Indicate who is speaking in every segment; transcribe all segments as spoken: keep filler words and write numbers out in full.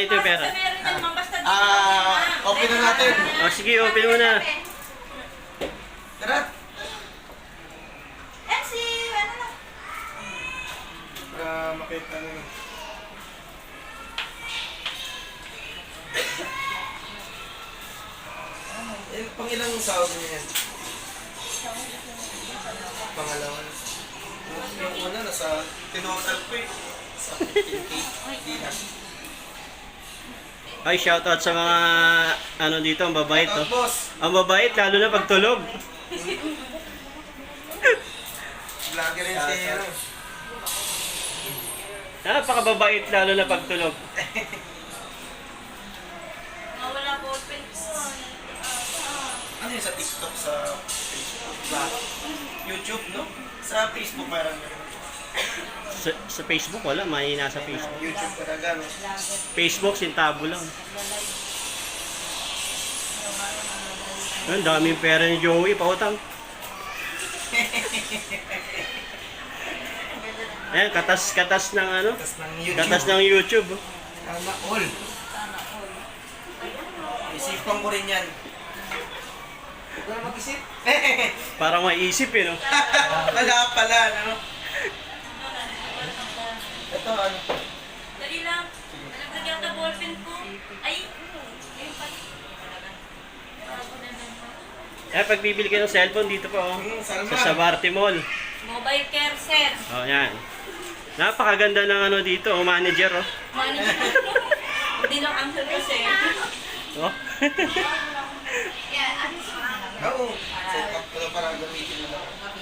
Speaker 1: ito yung pera.
Speaker 2: Ah, open na natin.
Speaker 1: O sige, open mo na.
Speaker 2: Tara.
Speaker 3: M C, ano na?
Speaker 2: Para makita nyo. Eh, pang ilang sahod niya yan? Pangalawa. Yung una, nasa tinotal ko eh. Sa fifteen K. Di na.
Speaker 1: Ay, shoutout sa mga ano dito, ang babait to.
Speaker 2: Shoutout, boss.
Speaker 1: Ang babait, lalo na pagtulog.
Speaker 2: Vlogger rin si ano.
Speaker 1: Napakababait, lalo na pagtulog.
Speaker 3: Nawala po open ko.
Speaker 2: Ano yun sa TikTok, sa Facebook, vlog? YouTube, no? Sa Facebook parang gano'n.
Speaker 1: Sa, sa Facebook, wala. Mahina sa Facebook.
Speaker 2: YouTube talaga, no?
Speaker 1: Facebook, sintabo lang. Ang daming pera ni Joey, pautang. Ayan, katas-katas ng ano?
Speaker 2: Katas ng YouTube.
Speaker 1: Katas ng YouTube.
Speaker 2: Sana all. Isipan ko rin yan. Huwag na mag-isip.
Speaker 1: Parang maisip eh, no?
Speaker 2: Wala pala, no? Ito, ano?
Speaker 3: Dali lang. Nalagyan ka ballpen ko. Ay, ayun pa. Bago na naman.
Speaker 1: Eh, pag bibili ka ng cellphone, dito pa, oh.
Speaker 2: Hmm, Salman.
Speaker 1: Sa Sabarte Mall.
Speaker 3: Mobile care, sir.
Speaker 1: Oh, yan. Napakaganda ng ano dito, oh, manager, oh.
Speaker 3: Manager. Hindi lang answer ko, sir.
Speaker 1: Oh.
Speaker 2: Oo. Set up ko na para gamitin mo lang.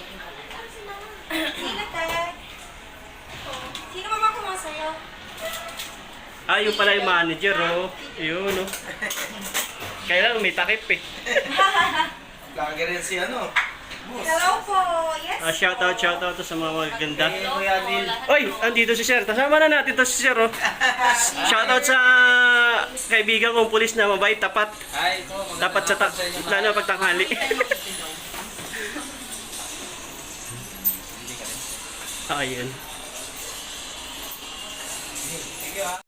Speaker 3: Sino, Ted? Sino ba makuha sa'yo?
Speaker 1: Ah, yung pala yung manager, oh. Yun, oh. Kailan may takip, eh.
Speaker 2: Vlogger rin si ano. Boss.
Speaker 3: Hello po. Yes
Speaker 1: Ah, shoutout, shoutout to sa mga magaganda.
Speaker 2: Eh, Kuya Neil.
Speaker 1: Oy, andito si Sir. Kasama na natin to si Sir, oh. Shoutout sa kaibigan kong pulis na mabait, tapat.
Speaker 2: Ay, ito.
Speaker 1: Dapat sa ta- lalo pag tanghali. Ayun.
Speaker 2: Sige, ah.